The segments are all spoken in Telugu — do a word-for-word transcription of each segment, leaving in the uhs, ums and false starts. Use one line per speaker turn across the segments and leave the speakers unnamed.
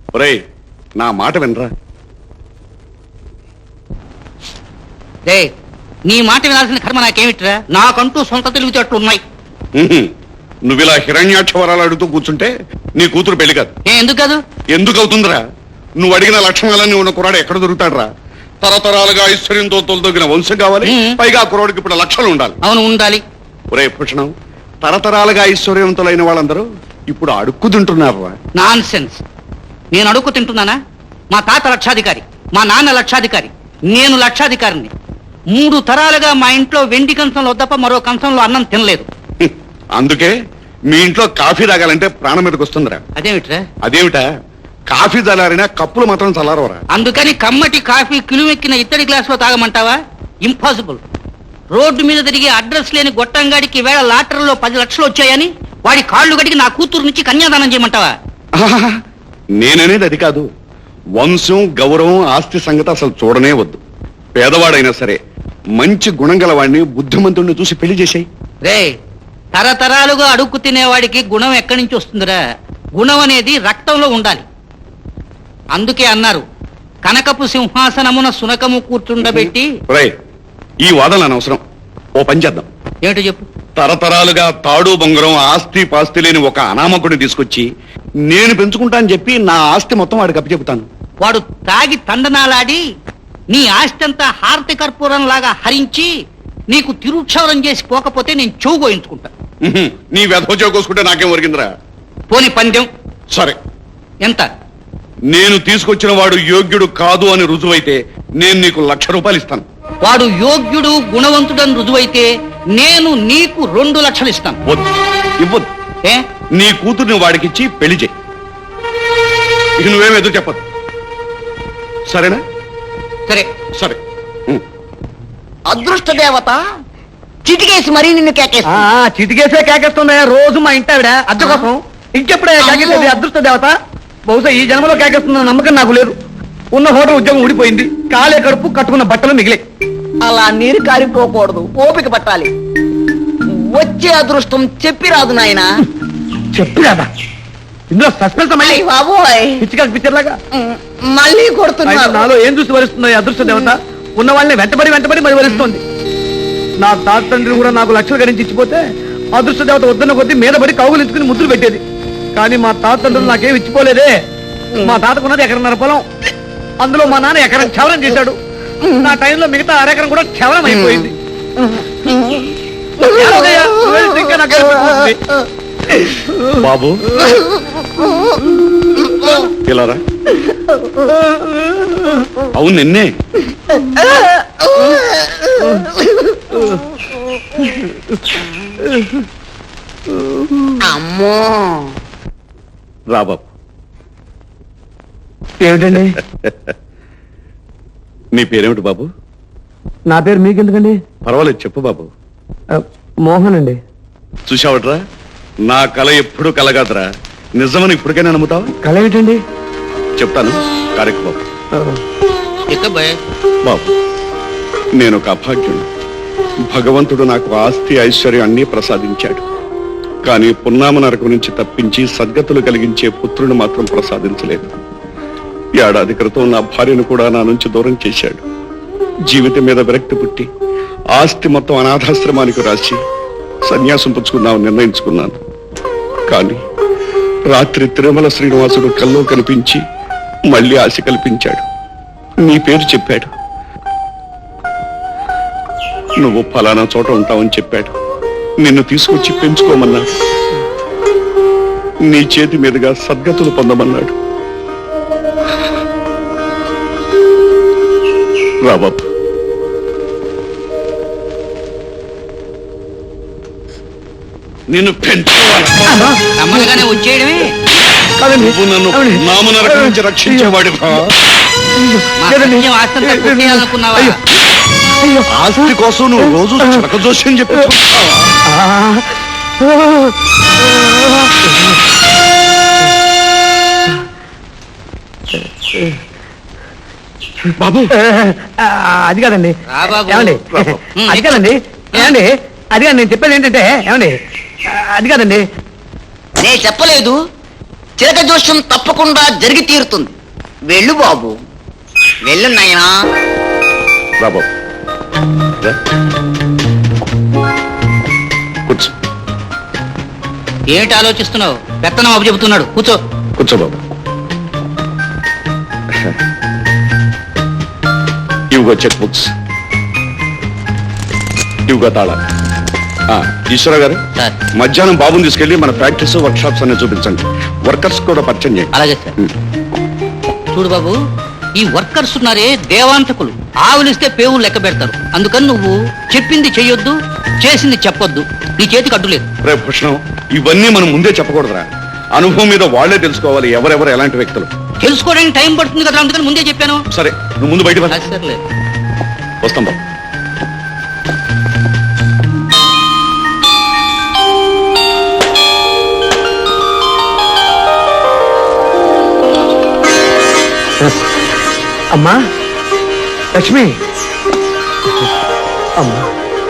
ఒరేయ్ నా మాట వినరా.
రే నీ మాట వినాల్సిన కర్మ నాకేమిట్రా? నాకంటూ సొంత తెలివితేటలు ఉన్నాయి.
నువ్వు ఇలా హిరణ్యాక్ష వరాలు అడుగుతూ కూర్చుంటే నీ కూతురు పెళ్లి కాదు.
ఏ ఎందుకు కాదు?
ఎందుకు అవుతుందిరా? నువ్వు అడిగిన లక్షణాలన్నీ ఉన్న కురాడు ఎక్కడ దొరుకుతాడరా? తరతరాలుగా ఐశ్వర్యంతో తొలదొగిన వంశం కావాలి, పైగా కురాడికి ఇప్పుడు లక్షలు ఉండాలి.
అవును ఉండాలి.
ఒరే భూషణం, తరతరాలుగా ఐశ్వర్యవంతులైన వాళ్ళందరూ ఇప్పుడు అడుక్కు తింటున్నారా?
Nonsense. నేను అడుక్కు తింటున్నానా? మా తాత లక్షాధికారి, మా నాన్న లక్షాధికారి, నేను లక్షాధికారిని. మూడు తరాలుగా మా ఇంట్లో వెండి కంచంలో తప్ప మరో కంచంలో అన్నం తినలేదు.
అందుకే మీ ఇంట్లో కాఫీ తాగాలంటే ప్రాణం మీదకి వస్తుందిరా.
అదేమిట్రా?
అదేమిటా, కాఫీ చల్లారినా కప్పులు మాత్రం చల్లారవరా.
అందుకని కమ్మటి కాఫీ కిలుమెక్కిన ఇత్తడి గ్లాసులో తాగమంటావా? ఇంపాసిబుల్. రోడ్డు మీద తిరిగి అడ్రస్ లేని గొట్టంగాడికి వేళ లాటరీలో పది లక్షలు వచ్చాయని వాడి కాళ్ళు గడికి నా కూతురు నుంచి కన్యాదానం చేయమంటావా?
నేననేది అది కాదు. వంశం, గౌరవం, ఆస్తి సంగతి అసలు చూడనే వద్దు. పేదవాడైనా సరే మంచి గుణం గలవాడిని, బుద్ధిమంతుడిని చూసి పెళ్లి చేసాయి.
రే తరతరాలుగా అడుక్కు తినేవాడికి గుణం ఎక్కడి నుంచి వస్తుందిరా? గుణం అనేది రక్తంలో ఉండాలి. అందుకే అన్నారు, కనకపు సింహాసనమున సునకము కూర్చుండబెట్టి.
ఈ వాదన అనవసరం. ఓ పని చేద్దాం.
ఏమిటో చెప్పు.
తరతరాలుగా తాడు బొంగరం, ఆస్తి పాస్తి లేని ఒక అనామకుడిని తీసుకొచ్చి నేను పెంచుకుంటా అని చెప్పి నా ఆస్తి మొత్తం వాడికి అప్పచెపుతాను.
వాడు తాగి తండనాలాడి నీ ఆస్తి అంతా హారతి కర్పూరం లాగా హరించి నీకు తిరుక్షవరం చేసి పోకపోతే నేను చెవు గోయించుకుంటా.
నీ వెధవ చెవు కోసుకుంటే నాకేం ఒరిగిందిరా?
పోని పందెం.
సరే.
ఎంత?
నేను తీసుకొచ్చిన వాడు యోగ్యుడు కాదు అని రుజువైతే నేను నీకు లక్ష రూపాయలు ఇస్తాను.
వాడు యోగ్యుడు, గుణవంతుడని రుజువైతే నేను నీకు రెండు లక్షలు ఇస్తాను.
వద్దు, ఇవ్వద్దు.
ఏ?
నీ కూతుర్ని వాడికిచ్చి పెళ్లి చేయి. ఇక నువ్వేం ఎదురు చెప్పదు. సరేనా?
సరే
సరే.
అదృష్ట దేవత చిటికేసి మరీ నిన్ను కేకేస్తా.
చిటికేసే కేకేస్తుందా రోజు మా ఇంటి ఆవిడ అద్దె కోసం? ఇంకెప్పుడే కేకేసేది అదృష్ట దేవత? బహుశా ఈ జన్మలో కేకేస్తున్న నమ్మకం నాకు లేదు. ఉన్న హోటల్ ఉద్యోగం ఊడిపోయింది, కాలే కడుపు, కట్టుకున్న బట్టలు మిగిలే.
అలా నీరు కారిపోకూడదు, ఓపిక పట్టాలి. వచ్చే అదృష్టం చెప్పి రాదు నాయనా.
చెప్పి రాదా? ఇందులో సస్పెన్స్ మళ్ళీ
బాబోయ్,
పిచ్చిగా పిక్చర్ లాగా
మళ్ళీ కొడుతున్నారు.
నాలో ఏం చూసి వరిస్తుంది అదృష్ట దేవత? ఉన్న వాళ్ళని వెంటబడి వెంటబడి మరి వరిస్తోంది. నా తాత తండ్రి కూడా నాకు లక్షలు గరించి ఇచ్చిపోతే అదృష్ట దేవత వద్దన్న కొద్దీ మీద పడి కౌగులు ఇచ్చుకుని ముద్దులు పెట్టేది. కానీ మా తాత తండ్రులు నాకేం ఇచ్చిపోలేదే. మా తాతకున్నది ఎకరన్నర పొలం, అందులో మా నాన్న ఎకరం క్షవరం చేశాడు. నా టైంలో మిగతా అరెకరం కూడా క్షవరం అయిపోయింది.
బాబు ఇలారా. అవును నిన్నే.
అమ్మో
రా బాబు.
ఏమిటండి?
నీ పేరేమిటి బాబు?
నా పేరు మీకెందుకండి?
పర్వాలేదు చెప్పు బాబు.
మోహన్ అండి.
చూసావట్రా, నా కళ ఎప్పుడు కలగాదరా. నిజమని ఇప్పటికైనా నమ్ముతావా?
కళ ఏమిటండి?
చెప్తాను. కారెక్కు బాబు. బాబు, నేను ఒక అభాగ్యుడు. భగవంతుడు నాకు ఆస్తి, ఐశ్వర్యం అన్నీ ప్రసాదించాడు. కానీ పున్నామ నరకం నుంచి తప్పించి సద్గతులు కలిగించే పుత్రుని మాత్రం ప్రసాదించలేదు. ఏడాది క్రితం నా భార్యను కూడా నా నుంచి దూరం చేశాడు. జీవితం మీద విరక్తి పుట్టి ఆస్తి మొత్తం అనాథాశ్రమానికి రాసి సన్యాసం పుచ్చుకుందామని నిర్ణయించుకున్నాను. కానీ రాత్రి తిరుమల శ్రీనివాసుడు కల్లో కనిపించి మళ్ళీ ఆశ కల్పించాడు. నీ పేరు చెప్పాడు. నువ్వు ఫలానా చోట ఉంటావని చెప్పాడు. నిన్ను తీసుకొచ్చి పెంచుకోమన్నాడు. నీ చేతి మీదుగా సద్గతులు పొందమన్నాడు. రాబాబు. నిన్ను
నమ్మగానే వచ్చేయడమే.
నువ్వు నన్ను నామ నరకం నుంచి రక్షించేవాడి.
అనుకున్నావా?
ఆస్తి కోసం నువ్వు రోజు చరక జోస్యం చెప్పి బాబు.
అది కాదండి. ఏమండి? అది కాదండి. ఏమండి? అది కాదు నేను చెప్పేది ఏంటంటే, ఏమండి? అది కాదండి.
నే చెప్పలేదు, చిలక జోష్యం తప్పకుండా జరిగి తీరుతుంది. వెళ్ళు బాబు, వెళ్ళు నాయనా.
బాబు రా. కూర్చో
ఏంటి ఆలోచిస్తున్నావు? పెత్తనం అప్పు చెబుతున్నాడు, కూర్చో.
కూర్చో బాబు. ఇవిగో చెక్ బుక్స్, ఇవిగో తాళా. ఆ, ఈశ్వర గారు,
సార్.
మధ్యాహ్నం బాబుని తీసుకెళ్లి మన ప్రాక్టీస్ వర్క్ షాప్స్ అన్ని చూపించండి. వర్కర్స్ కూడా పరిచయం చేయండి.
అలాగే సార్.
ఉం.
చూడు బాబు, ఈ వర్కర్స్ ఉన్నారే దేవాంతకులు. ఆవులిస్తే పేవులు లెక్క పెడతారు. అందుకని నువ్వు చెప్పింది చెయ్యొద్దు, చేసింది చెప్పొద్దు. నీ చేతికి అడ్డు లేదు.
రే భూషణం, ఇవన్నీ మనం ముందే చెప్పకూడదురా. అనుభవం మీద వాళ్లే తెలుసుకోవాలి ఎవరెవరు ఎలాంటి వ్యక్తులు.
తెలుసుకోవడానికి టైం పడుతుంది కదా, అందుకని ముందే చెప్పాను.
సరే, నువ్వు ముందు బయట
అది సర్లేదు.
వస్తాం బాబు.
అమ్మా లక్ష్మి, అమ్మా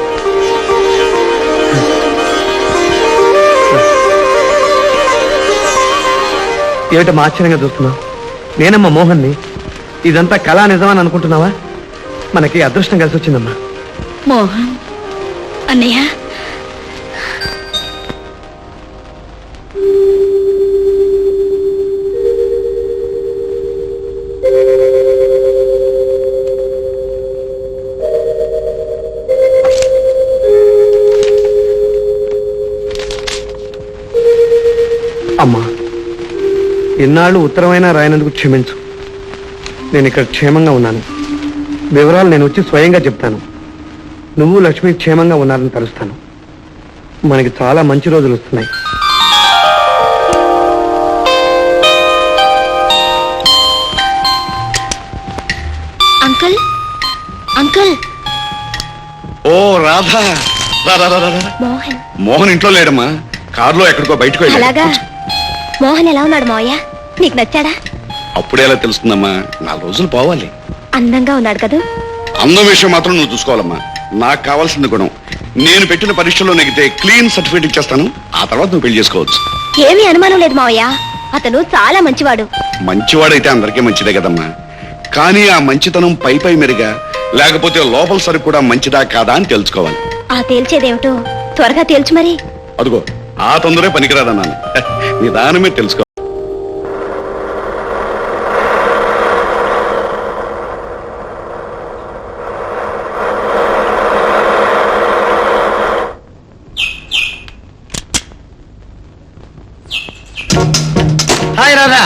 ఏమిటమ్మా ఆశ్చర్యంగా చూస్తున్నావు? నేనమ్మా మోహన్ని. ఇదంతా కళా నిజమని అనుకుంటున్నావా? మనకి అదృష్టం కలిసి వచ్చిందమ్మా.
మోహన్ అన్నయ్య,
అమ్మా, ఇన్నాళ్ళు ఉత్తరమైనా రాయనందుకు క్షమించు. నేను ఇక్కడ క్షేమంగా ఉన్నాను. వివరాలు నేను వచ్చి స్వయంగా చెప్తాను. నువ్వు లక్ష్మి క్షేమంగా ఉన్నారని తలుస్తాను. మనకి చాలా మంచి రోజులు వస్తున్నాయి.
అంకుల్ అంకుల్
ఓ రాధా, రా, రా, రా, రా, రా.
మోహన్.
మోహన్ ఇంట్లో లేడమ్మా, కారులో ఎక్కడికో బయటకు వెళ్ళాడు.
అలాగా? మోహన్ ఎలా ఉన్నాడు మావయ్య? నీకు నచ్చాడా?
అప్పుడే ఎలా తెలుస్తుందమ్మా, నాలుగు రోజులు పోవాలి.
అందంగా ఉన్నాడు కదా?
అందం విషయం మాత్రం నువ్వు చూసుకోవాలమ్మా. నాకు కావాల్సింది గుణం. నేను పెట్టిన పరీక్షలో నెగితే క్లీన్ సర్టిఫికేట్ ఇచ్చేస్తాను. ఆ తర్వాత నువ్వు పెళ్లి చేసుకోవచ్చు.
ఏమీ అనుమానం లేదు మావయ్య, అతను చాలా మంచివాడు.
మంచివాడైతే అందరికీ మంచిదే కదమ్మా. కానీ ఆ మంచితనం పై పై మెరుగా, లేకపోతే లోపల సరుకు కూడా మంచిదా కాదా అని తెలుసుకోవాలి.
ఆ తేల్చేదేమిటో త్వరగా తేల్చు మరి.
అదిగో ఆ తొందరే పనికిరాదన్నాను. నిదానమే తెలుసుకో.
హాయ్ రాధా.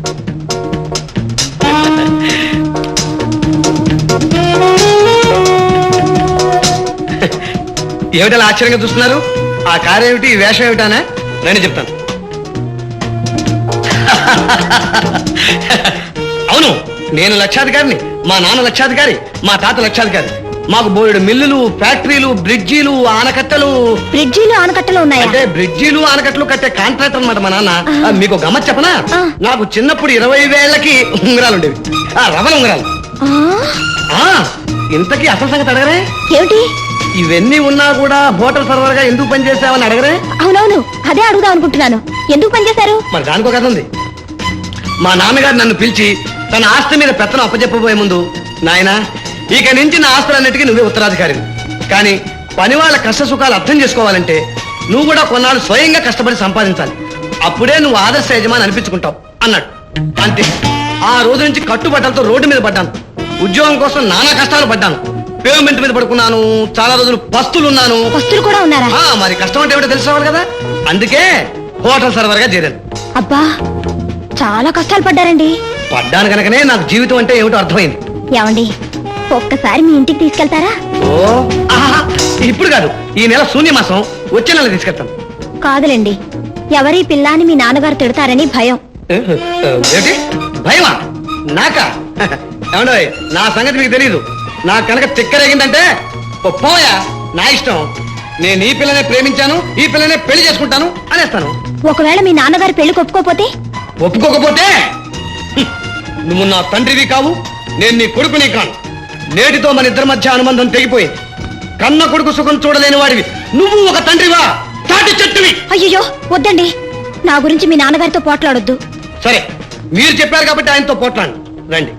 ఏమిటలా ఆశ్చర్యంగా చూస్తున్నారు? ఆ కారు ఏమిటి, ఈ వేషం ఏమిటానా? నేను చెప్తాను. అవును, నేను లక్షాధికారిని, మా నాన్న లక్షాధికారి, మా తాత లక్షాధికారి. మాకు బోలెడు మిల్లులు, ఫ్యాక్టరీలు, బ్రిడ్జీలు, ఆనకట్టలు.
బ్రిడ్జిలు ఆనకట్టలు ఉన్నాయా?
అంటే బ్రిడ్జీలు ఆనకట్టలు కట్టే కాంట్రాక్టర్ అన్నమాట మా నాన్న.
ఆహా.
ఆ, మీకు గమ్మత్ చెప్పనా?
ఆ.
నాకు చిన్నప్పుడు ఇరవై వేలకి ఉంగరాలు ఉండేవి. ఆ రవల ఉంగరాలు.
ఆ,
ఆ ఇంతకీ అసలు సంగతి అడగరే?
ఏమిటి?
ఇవన్నీ ఉన్నా కూడా హోటల్ సర్వర్ గా ఎందుకు పనిచేసావని అడగరే?
అవునవును, అదే అడుగుదాం అనుకుంటున్నాను. ఎందుకు పనిచేశారు?
మరి దానికో కథ ఉంది. మా నాన్నగారు నన్ను పిలిచి తన ఆస్తి మీద పెత్తనం అప్పచెప్పబోయే ముందు, నాయనా ఇక నుంచి నా ఆస్తులన్నిటికీ నువ్వే ఉత్తరాధికారిని. కానీ పని వాళ్ళ కష్ట సుఖాలు అర్థం చేసుకోవాలంటే నువ్వు కూడా కొన్నాళ్ళు స్వయంగా కష్టపడి సంపాదించాలి. అప్పుడే నువ్వు ఆదర్శ యజమాని అనిపించుకుంటావు అన్నాడు. అంతే. ఆ రోజు నుంచి కట్టుబట్టలతో రోడ్డు మీద పడ్డాను. ఉద్యోగం కోసం నానా కష్టాలు పడ్డాను. పేమెంట్ మీద పడుకున్నాను. చాలా రోజులు పస్తులున్నాను.
వస్తువులు కూడా ఉన్నారా?
ఆ, మరి కష్టం అంటే ఏమిటో తెలుసుకోవాలి కదా. అందుకే హోటల్ సర్వర్ గా చేరాను.
అబ్బా, చాలా కష్టాలు పడ్డారండి.
పడ్డాను కనుకనే నాకు జీవితం అంటే ఏమిటో అర్థమైంది.
ఏమండి, ఒక్కసారి మీ ఇంటికి తీసుకెళ్తారా?
ఓ ఆహా, ఇప్పుడు కాదు, ఈ నెల శూన్యమాసం, వచ్చే నెల తీసుకెళ్తాను.
కాదులేండి, ఎవరి పిల్లాని మీ నాన్నగారు తిడతారని భయం.
ఏంటి భయమా? నాకా? ఏమండో, నా సంగతి మీకు తెలీదు. నాకు కనుక తిక్కరేగిందంటే ఓ పోయా, నా ఇష్టం. నేను ఈ పిల్లనే ప్రేమించాను, ఈ పిల్లనే పెళ్లి చేసుకుంటాను అనేస్తాను.
ఒకవేళ మీ నాన్నగారు పెళ్లి ఒప్పుకోపోతే?
ఒప్పుకోకపోతే హ్మ్, నువ్వు నా తండ్రివి కావు, నేను నీ కొడుకుని కాను. నేటితో మన ఇద్దరి మధ్య అనుబంధం తెగిపోయింది. కన్న కొడుకు సుఖం చూడలేని వాడివి నువ్వు ఒక తండ్రివా? తాటి చెట్టువి.
అయ్యో వద్దండి, నా గురించి మీ నాన్నగారితో పోట్లాడొద్దు.
సరే మీరు చెప్పారు కాబట్టి ఆయనతో పోట్లాండి రండి.